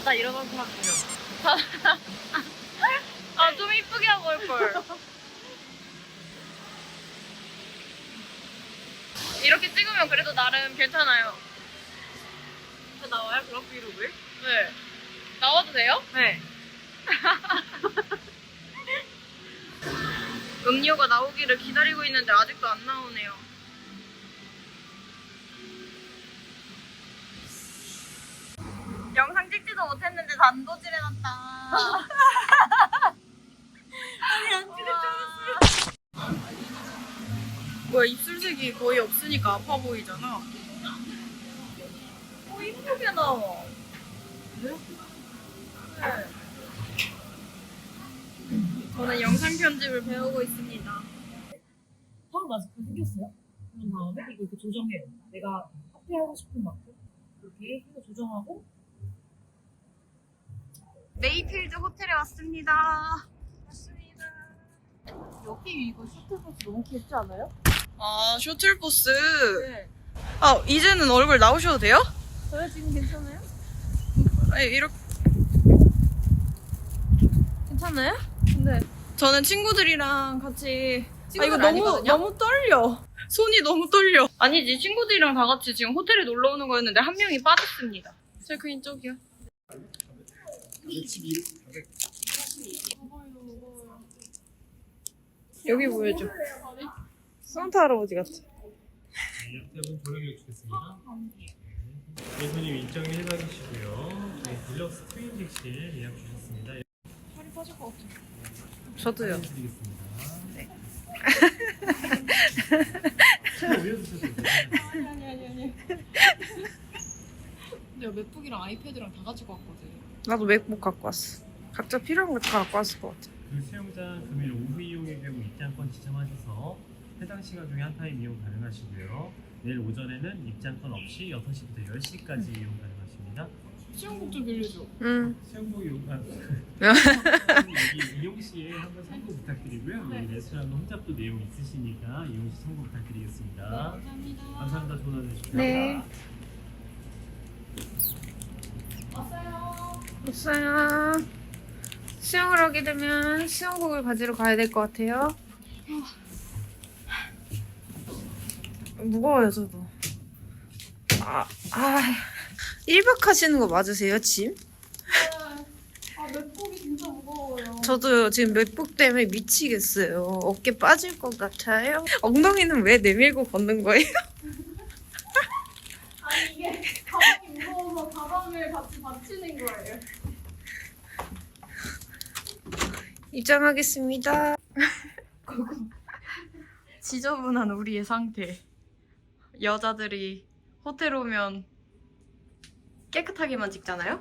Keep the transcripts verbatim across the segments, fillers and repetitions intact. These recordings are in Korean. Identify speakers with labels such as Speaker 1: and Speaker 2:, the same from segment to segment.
Speaker 1: 자다 일어나서 하고요. 아, 좀 이쁘게 하고 올걸. 이렇게 찍으면 그래도 나름 괜찮아요.
Speaker 2: 저 나와요? 그럼 브이로그에?
Speaker 1: 네. 나와도 돼요?
Speaker 2: 네.
Speaker 1: 음료가 나오기를 기다리고 있는데 아직도 안 나오네요. 영상 찍지도 못했는데 단도질 해놨다.
Speaker 2: 아니, 안 찍을 줄 알았어요.
Speaker 1: 뭐야, 입술색이 거의 없으니까 아파 보이잖아.
Speaker 2: 어, 이쁘게 나와.
Speaker 1: 네. 저는 영상 편집을 배우고 있습니다.
Speaker 2: 처음 마스크 생겼어요? 그런 다음에 이거 이렇게 조정해요. 내가 카페하고 싶은 만큼 이렇게 해서 조정하고.
Speaker 1: 네이필드 호텔에 왔습니다.
Speaker 2: 맞습니다. 여기 이거 셔틀버스 너무 귀엽지 않아요?
Speaker 1: 아, 셔틀버스.
Speaker 2: 네.
Speaker 1: 아, 이제는 얼굴 나오셔도 돼요?
Speaker 2: 저요 지금 괜찮아요?
Speaker 1: 아니, 이렇게.
Speaker 2: 괜찮아요? 네.
Speaker 1: 저는 친구들이랑 같이. 아, 이거
Speaker 2: 친구들
Speaker 1: 너무,
Speaker 2: 아니거든요?
Speaker 1: 너무 떨려. 손이 너무 떨려. 아니지, 친구들이랑 다 같이 지금 호텔에 놀러 오는 거였는데 한 명이 빠졌습니다. 체크인 쪽이요. 여기 보여줘. 산타 할아버지 같아.
Speaker 3: 약대분 조명해 주겠습니다. 예수님 일정이 일 박이시고요. 저희 딜럭스 트윈 객실 예약 주셨습니다.
Speaker 2: 살이 빠질 것 같아.
Speaker 1: 저도요.
Speaker 3: 드리겠습니다.
Speaker 1: 네.
Speaker 3: 올려주셔도 돼요.
Speaker 2: 아니 아니 아니 아니. 내가 맥북이랑 아이패드랑 다 가지고 왔거든.
Speaker 1: 나도 맥북 갖고 왔어. 각자 필요한 거 다 갖고 왔을 것 같아.
Speaker 3: 그 수영장 금일 오후 이용의 경우 입장권 지참하셔서 해당 시간 중에 한 타임 이용 가능하시고요. 내일 오전에는 입장권 없이 여섯 시부터 열 시까지 이용 가능하십니다.
Speaker 2: 수영복 좀 빌려줘.
Speaker 1: 응.
Speaker 3: 수영복 이용, 아, 여기 이용 시에 한번 참고 부탁드리고요.
Speaker 2: 네.
Speaker 3: 여기 레스토랑 홈잡도 내용 있으시니까 이용 시 참고 부탁드리겠습니다.
Speaker 2: 감사합니다.
Speaker 3: 감사합니다. 좋은 하루 되십시오.
Speaker 1: 네.
Speaker 2: 왔어요.
Speaker 1: 없어요. 수영을 하게 되면 수영복을 가지러 가야 될 것 같아요. 무거워요, 저도. 아, 아, 일 박 하시는 거 맞으세요, 짐?
Speaker 2: 아 맥북이 진짜 무거워요.
Speaker 1: 저도요, 지금 맥북 때문에 미치겠어요. 어깨 빠질 것 같아요. 엉덩이는 왜 내밀고 걷는 거예요?
Speaker 2: 아니 이게 가방이 무거워서 가방을 같이 받치는 거예요.
Speaker 1: 입장하겠습니다. 지저분한 우리의 상태. 여자들이 호텔 오면 깨끗하게만 찍잖아요?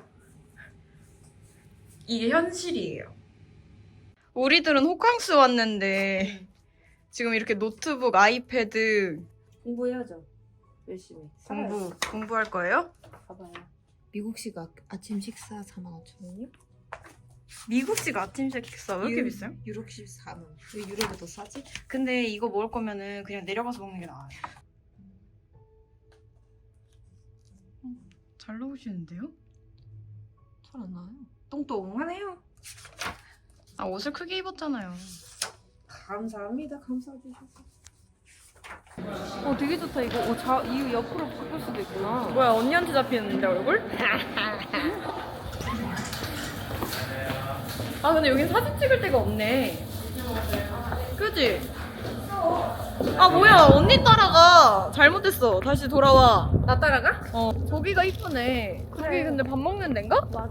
Speaker 1: 이게 현실이에요. 우리들은 호캉스 왔는데 지금 이렇게 노트북, 아이패드
Speaker 2: 공부해야죠. 열심히.
Speaker 1: 공부, 공부할 거예요?
Speaker 2: 봐봐요. 미국식 아, 아침 식사 사만 오천 원이요?
Speaker 1: 미국식 아침 식사 왜 이렇게
Speaker 2: 유-
Speaker 1: 비싸요?
Speaker 2: 유럽식 사만 원. 왜 유럽이 더 싸지?
Speaker 1: 근데 이거 먹을 거면은 그냥 내려가서 먹는 게 나아요. 잘 나오시는데요?
Speaker 2: 잘 안 나요.
Speaker 1: 똥똥하네요. 아, 옷을 크게 입었잖아요.
Speaker 2: 감사합니다. 감사해 주셔서.
Speaker 1: 어, 되게 좋다 이거. 어, 자, 이 옆으로 바꿀 수도 있구나. 뭐야, 언니한테 잡히는데 얼굴? 아, 근데 여긴 사진 찍을 데가 없네. 그지? 아, 뭐야, 언니 따라가. 잘못했어. 다시 돌아와.
Speaker 2: 나 따라가?
Speaker 1: 어, 저기가 이쁘네. 저기
Speaker 2: 그래.
Speaker 1: 근데 밥 먹는 데인가?
Speaker 2: 맞아.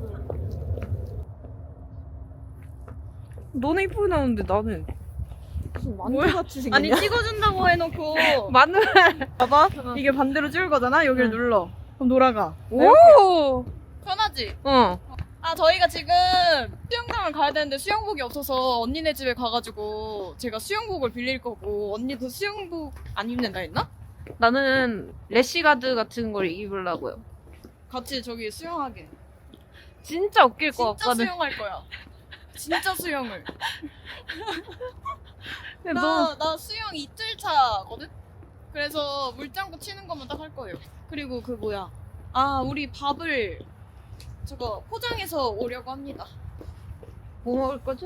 Speaker 1: 너네 이쁘게 나오는데 나는.
Speaker 2: 무슨
Speaker 1: 뭐야?
Speaker 2: 만두같이 생겼냐?
Speaker 1: 아니, 찍어준다고 해놓고.
Speaker 2: 마늘.
Speaker 1: 봐봐. 이게 반대로 찍을 거잖아? 여기를
Speaker 2: 응.
Speaker 1: 눌러. 그럼 돌아가.
Speaker 2: 오.
Speaker 1: 편하지?
Speaker 2: 어.
Speaker 1: 아, 저희가 지금 수영장을 가야 되는데 수영복이 없어서 언니네 집에 가가지고 제가 수영복을 빌릴 거고, 언니도 수영복 안 입는다 했나?
Speaker 2: 나는 래시가드 같은 걸 입으려고요.
Speaker 1: 같이 저기 수영하게.
Speaker 2: 진짜 웃길 것
Speaker 1: 진짜
Speaker 2: 같거든.
Speaker 1: 수영할 거야. 진짜 수영을.
Speaker 2: 근데
Speaker 1: 나, 나 수영 이틀 차거든? 그래서 물장구 치는 것만 딱 할 거예요. 그리고 그 뭐야. 아, 우리 밥을 저거 포장해서 오려고 합니다.
Speaker 4: 뭐 먹을 거지?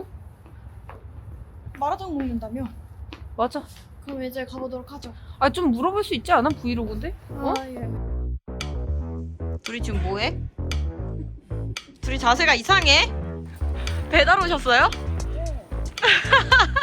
Speaker 1: 마라탕 먹는다며?
Speaker 4: 맞아.
Speaker 1: 그럼 이제 가보도록 하죠.
Speaker 4: 아 좀 물어볼 수 있지 않아? 브이로그인데? 어?
Speaker 1: 아, 예.
Speaker 4: 둘이 지금 뭐해? 둘이 자세가 이상해? 배달 오셨어요?